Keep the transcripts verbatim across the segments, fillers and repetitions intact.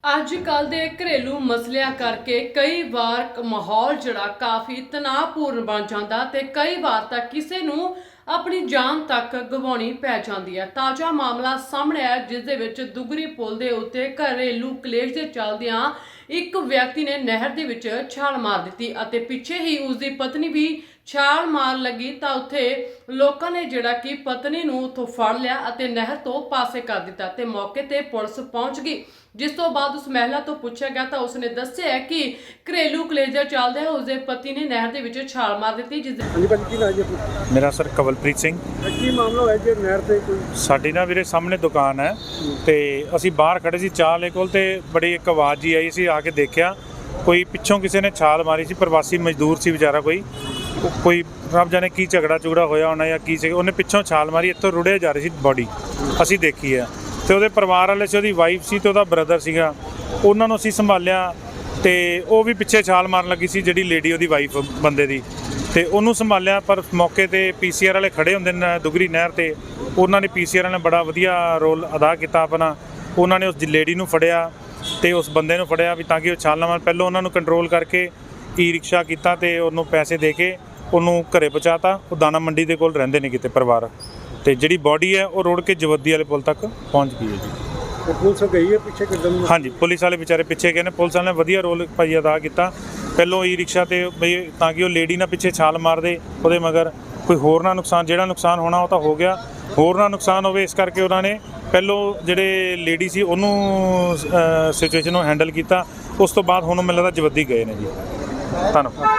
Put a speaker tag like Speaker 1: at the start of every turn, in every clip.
Speaker 1: ਅੱਜ-ਕੱਲ ਦੇ ਘरेलू ਮਸਲਿਆਂ ਕਰਕੇ ਕਈ ਵਾਰ ਮਾਹੌਲ ਜਿਹੜਾ ਕਾਫੀ ਤਣਾਅਪੂਰਨ ਬਣ ਜਾਂਦਾ ਤੇ ਕਈ ਵਾਰ ਤਾਂ ਕਿਸੇ ਨੂੰ ਆਪਣੀ ਜਾਨ ਤੱਕ ਗਵਾਉਣੀ ਪੈ ਜਾਂਦੀ ਹੈ। ਤਾਜ਼ਾ ਮਾਮਲਾ ਸਾਹਮਣੇ ਆਇਆ ਜਿਸ ਦੇ ਵਿੱਚ ਦੁਗਰੀ ਪੁਲ ਦੇ ਉੱਤੇ ਘरेलू ਕਲੇਸ਼ ਦੇ ਚੱਲਦਿਆਂ ਇੱਕ ਵਿਅਕਤੀ ਨੇ ਨਹਿਰ ਦੇ ਵਿੱਚ ਛਾਲ ਮਾਰ ਦਿੱਤੀ ਅਤੇ ਪਿੱਛੇ ਹੀ ਉਸ ਦੀ ਪਤਨੀ ਵੀ ਛਾਲ ਮਾਰ ਲੱਗੀ ਤਾਂ ਉੱਥੇ ਲੋਕਾਂ ਨੇ ਜਿਹੜਾ ਕਿ ਪਤਨੀ ਨੂੰ ਉੱਥੋਂ ਫੜ ਲਿਆ ਅਤੇ ਨਹਿਰ ਤੋਂ ਪਾਸੇ ਕਰ ਦਿੱਤਾ ਤੇ ਮੌਕੇ ਤੇ ਪੁਲਿਸ ਪਹੁੰਚ ਗਈ। ਜਿਸ ਤੋਂ ਬਾਅਦ ਉਸ ਮਹਿਲਾ ਤੋਂ ਪੁੱਛਿਆ ਗਿਆ ਤਾਂ ਉਸਨੇ ਦੱਸਿਆ ਕਿ ਘरेलू ਕਲੇਸ਼ ਦੇ ਚੱਲਦੇ ਉਸਦੇ ਪਤੀ ਨੇ ਨਹਿਰ ਦੇ ਵਿੱਚ ਛਾਲ ਮਾਰ ਦਿੱਤੀ। ਜਿਸ
Speaker 2: ਹਾਂਜੀ ਭਾਜੀ ਕੀ ਨਾਮ ਜੀ ਆਪਣਾ?
Speaker 3: ਮੇਰਾ ਸਰ ਕਵਲਪ੍ਰੀਤ ਸਿੰਘ।
Speaker 2: ਕੀ ਮਾਮਲਾ ਹੋਇਆ ਜੀ ਨਹਿਰ ਤੇ ਕੋਈ?
Speaker 3: ਸਾਡੀ ਨਾ ਵੀਰੇ ਸਾਹਮਣੇ ਦੁਕਾਨ ਹੈ ਤੇ ਅਸੀਂ ਬਾਹਰ ਖੜੇ ਸੀ ਚਾਹ ਲੈ ਕੋਲ ਤੇ ਬੜੀ ਇੱਕ ਆਵਾਜ਼ ਜੀ ਆਈ ਸੀ। ਆ ਕੇ ਦੇਖਿਆ ਕੋਈ ਪਿੱਛੋਂ ਕਿਸੇ ਨੇ ਛਾਲ ਮਾਰੀ ਸੀ। ਪ੍ਰਵਾਸੀ ਮਜ਼ਦੂਰ ਸੀ ਵਿਚਾਰਾ, ਕੋਈ ਕੋਈ ਰੱਬ ਜਾਣੇ ਕੀ ਝਗੜਾ ਝੁਗੜਾ ਹੋਇਆ ਹੋਣਾ ਜਾਂ ਕੀ ਸੀ। ਉਹਨੇ ਪਿੱਛੋਂ ਛਾਲ ਮਾਰੀ, ਇੱਥੋਂ ਰੁੜਿਆ ਜਾ ਰਹੀ ਸੀ ਬੋਡੀ, ਅਸੀਂ ਦੇਖੀ ਹੈ। ਤੇ ਉਹਦੇ ਪਰਿਵਾਰ ਵਾਲੇ ਸੀ, ਉਹਦੀ ਵਾਈਫ ਸੀ ਤੇ ਉਹਦਾ ਬ੍ਰਦਰ ਸੀਗਾ। ਉਹਨਾਂ ਨੂੰ ਅਸੀਂ ਸੰਭਾਲਿਆ ਤੇ ਉਹ ਵੀ ਪਿੱਛੇ ਛਾਲ ਮਾਰਨ ਲੱਗੀ ਸੀ ਜਿਹੜੀ ਲੇਡੀ ਉਹਦੀ ਵਾਈਫ ਬੰਦੇ ਦੀ, ਤੇ ਉਹਨੂੰ ਸੰਭਾਲਿਆ। ਪਰ ਮੌਕੇ ਤੇ ਪੀਸੀਆਰ ਵਾਲੇ ਖੜੇ ਹੁੰਦੇ ਨੇ ਦੁਗਰੀ ਨਹਿਰ ਤੇ, ਉਹਨਾਂ ਨੇ ਪੀਸੀਆਰ ਨੇ ਬੜਾ ਵਧੀਆ ਰੋਲ ਅਦਾ ਕੀਤਾ ਆਪਣਾ। ਉਹਨਾਂ ਨੇ ਉਸ ਲੇਡੀ ਨੂੰ ਫੜਿਆ ਤੇ ਉਸ ਬੰਦੇ ਨੂੰ ਫੜਿਆ ਵੀ ਤਾਂ ਕਿ ਉਹ ਛਾਲ ਨਾ ਮਾਰਨ। ਪਹਿਲਾਂ ਉਹਨਾਂ ਨੂੰ ਕੰਟਰੋਲ ਕਰਕੇ ਈ ਰਿਕਸ਼ਾ ਕੀਤਾ ਤੇ ਉਹਨੂੰ ਪੈਸੇ ਦੇ ਕੇ ਉਹਨੂੰ ਘਰੇ ਪਹੁੰਚਾਤਾ। ਉਹ ਦਾਣਾ ਮੰਡੀ ਦੇ ਕੋਲ ਰਹਿੰਦੇ ਨੇ ਕਿਤੇ ਪਰਿਵਾਰ, ਤੇ ਜਿਹੜੀ ਬੋਡੀ ਹੈ ਉਹ ਰੋੜ ਕੇ ਜਵੱਦੀ ਵਾਲੇ ਪੁਲ ਤੱਕ ਪਹੁੰਚ ਗਈ ਹੈ ਜੀ।
Speaker 2: ਪੁਲਿਸ ਗਈ ਹੈ ਪਿੱਛੇ ਕਿੱਦਾਂ?
Speaker 3: ਹਾਂਜੀ, ਪੁਲਿਸ ਵਾਲੇ ਵਿਚਾਰੇ ਪਿੱਛੇ ਗਏ ਨੇ। ਪੁਲਿਸ ਵਾਲੇ ਨੇ ਵਧੀਆ ਰੋਲ ਭਾਈ ਅਦਾ ਕੀਤਾ। ਪਹਿਲੋਂ ਈ ਰਿਕਸ਼ਾ ਤੇ ਬਈ ਤਾਂ ਕਿ ਉਹ ਲੇਡੀ ਨਾ ਪਿੱਛੇ ਛਾਲ ਮਾਰਦੇ, ਉਹਦੇ ਮਗਰ ਕੋਈ ਹੋਰ ਨਾ ਨੁਕਸਾਨ, ਜਿਹੜਾ ਨੁਕਸਾਨ ਹੋਣਾ ਉਹ ਤਾਂ ਹੋ ਗਿਆ, ਹੋਰ ਨਾ ਨੁਕਸਾਨ ਹੋਵੇ, ਇਸ ਕਰਕੇ ਉਹਨਾਂ ਨੇ ਪਹਿਲੋਂ ਜਿਹੜੇ ਲੇਡੀ ਸੀ ਉਹਨੂੰ ਸਿਚੁਏਸ਼ਨ ਨੂੰ ਹੈਂਡਲ ਕੀਤਾ। ਉਸ ਤੋਂ ਬਾਅਦ ਹੁਣ ਮੈਨੂੰ ਲੱਗਦਾ ਜਵੱਦੀ ਗਏ ਨੇ ਜੀ। ਧੰਨਵਾਦ।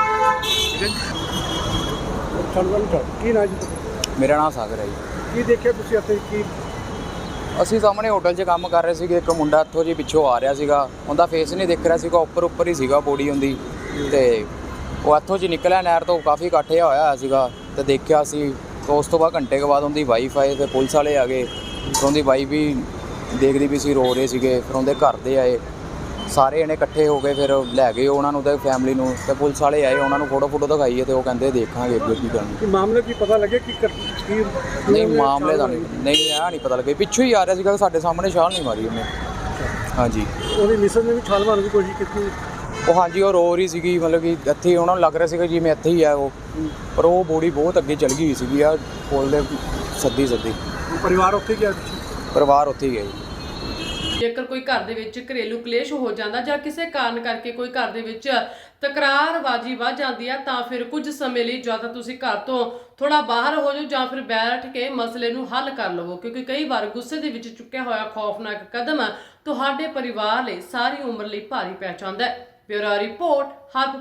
Speaker 2: ਕੀ ਨਾਮ ਜੀ?
Speaker 4: ਮੇਰਾ ਨਾਮ ਸਾਗਰ ਹੈ ਜੀ।
Speaker 2: ਕੀ ਦੇਖਿਆ ਤੁਸੀਂ ਇੱਥੇ? ਕੀ
Speaker 4: ਅਸੀਂ ਸਾਹਮਣੇ ਹੋਟਲ 'ਚ ਕੰਮ ਕਰ ਰਹੇ ਸੀਗੇ। ਇੱਕ ਮੁੰਡਾ ਇੱਥੋਂ ਜੀ ਪਿੱਛੋਂ ਆ ਰਿਹਾ ਸੀਗਾ, ਉਹਦਾ ਫੇਸ ਨਹੀਂ ਦਿਖ ਰਿਹਾ ਸੀਗਾ, ਉੱਪਰ ਉੱਪਰ ਹੀ ਸੀਗਾ ਬੋਡੀ ਹੁੰਦੀ। ਤੇ ਉਹ ਇੱਥੋਂ 'ਚ ਨਿਕਲਿਆ ਨਹਿਰ ਤੋਂ, ਕਾਫੀ ਇਕੱਠੇ ਹੋਇਆ ਹੋਇਆ ਸੀਗਾ ਤੇ ਦੇਖਿਆ ਸੀ। ਤਾਂ ਉਸ ਤੋਂ ਬਾਅਦ ਘੰਟੇ ਕੁ ਬਾਅਦ ਉਹਦੀ ਵਾਈਫ ਆਏ ਤੇ ਪੁਲਿਸ ਵਾਲੇ ਆ ਗਏ। ਫਿਰ ਉਹਦੀ ਵਾਈਫ ਵੀ ਦੇਖਦੀ ਵੀ ਸੀ, ਰੋ ਰਹੇ ਸੀਗੇ। ਫਿਰ ਉਹਦੇ ਘਰ ਦੇ ਆਏ, ਸਾਰੇ ਜਣੇ ਇਕੱਠੇ ਹੋ ਗਏ, ਫਿਰ ਲੈ ਗਏ ਉਹਨਾਂ ਨੂੰ ਤੇ ਫੈਮਿਲੀ ਨੂੰ। ਤੇ ਪੁਲਿਸ ਵਾਲੇ ਆਏ, ਉਹਨਾਂ ਨੂੰ ਫੋਟੋ ਫੋਟੋ ਦਿਖਾਈ ਤੇ ਉਹ ਕਹਿੰਦੇ ਦੇਖਾਂਗੇ ਅੱਗੇ ਕੀ ਕਰਨਾ।
Speaker 2: ਮਾਮਲੇ ਕੀ ਪਤਾ ਲੱਗਿਆ ਕਿ ਕੀ?
Speaker 4: ਨਹੀਂ ਮਾਮਲੇ ਦਾ ਨਹੀਂ ਨਹੀਂ ਇਹ ਨਹੀਂ ਪਤਾ ਲੱਗਿਆ। ਪਿੱਛੋਂ ਹੀ ਆ ਰਿਹਾ ਸੀਗਾ, ਸਾਡੇ ਸਾਹਮਣੇ ਛਾਲ ਨਹੀਂ ਮਾਰੀ ਉਹਨੇ। ਹਾਂਜੀ,
Speaker 2: ਉਹਦੀ ਮਿਸਰ ਨੇ ਵੀ ਛਾਲ ਮਾਰਨ ਦੀ ਕੋਸ਼ਿਸ਼ ਕੀਤੀ?
Speaker 4: ਉਹ ਹਾਂਜੀ, ਉਹ ਰੋ ਰਹੀ ਸੀਗੀ, ਮਤਲਬ ਕਿ ਇੱਥੇ ਉਹਨਾਂ ਨੂੰ ਲੱਗ ਰਿਹਾ ਸੀਗਾ ਜਿਵੇਂ ਇੱਥੇ ਹੀ ਆ ਉਹ, ਪਰ ਉਹ ਬੋਡੀ ਬਹੁਤ ਅੱਗੇ ਚਲ ਗਈ ਸੀਗੀ ਆ ਪੁਲ ਦੇ ਸੱਦੀ ਸੱਦੀ।
Speaker 2: ਪਰਿਵਾਰ ਉੱਥੇ ਗਿਆ?
Speaker 4: ਪਰਿਵਾਰ ਉੱਥੇ ਹੀ ਗਿਆ ਜੀ।
Speaker 1: ਜੇਕਰ ਕੋਈ ਘਰ ਦੇ ਵਿੱਚ ਘरेलू ਕਲੇਸ਼ ਹੋ ਜਾਂਦਾ ਜਾਂ ਕਿਸੇ ਕਾਰਨ ਕਰਕੇ ਕੋਈ ਘਰ ਦੇ ਵਿੱਚ ਤਕਰਾਰਬਾਜ਼ੀ ਵੱਧ ਜਾਂਦੀ ਹੈ ਤਾਂ ਫਿਰ ਕੁਝ ਸਮੇਂ ਲਈ ਜਾਂ ਤਾਂ ਤੁਸੀਂ ਘਰ ਤੋਂ ਥੋੜਾ ਬਾਹਰ ਹੋ ਜਾਓ ਜਾਂ ਫਿਰ ਬੈਠ ਕੇ ਮਸਲੇ ਨੂੰ ਹੱਲ ਕਰ ਲਵੋ, ਕਿਉਂਕਿ ਕਈ ਵਾਰ ਗੁੱਸੇ ਦੇ ਵਿੱਚ ਚੁੱਕਿਆ ਹੋਇਆ ਖੌਫਨਾਕ ਕਦਮ ਤੁਹਾਡੇ ਪਰਿਵਾਰ ਲਈ ਸਾਰੀ ਉਮਰ ਲਈ ਭਾਰੀ ਪੈ ਜਾਂਦਾ ਹੈ। ਬਿਊਰੋ ਰਿਪੋਰਟ ਹਰ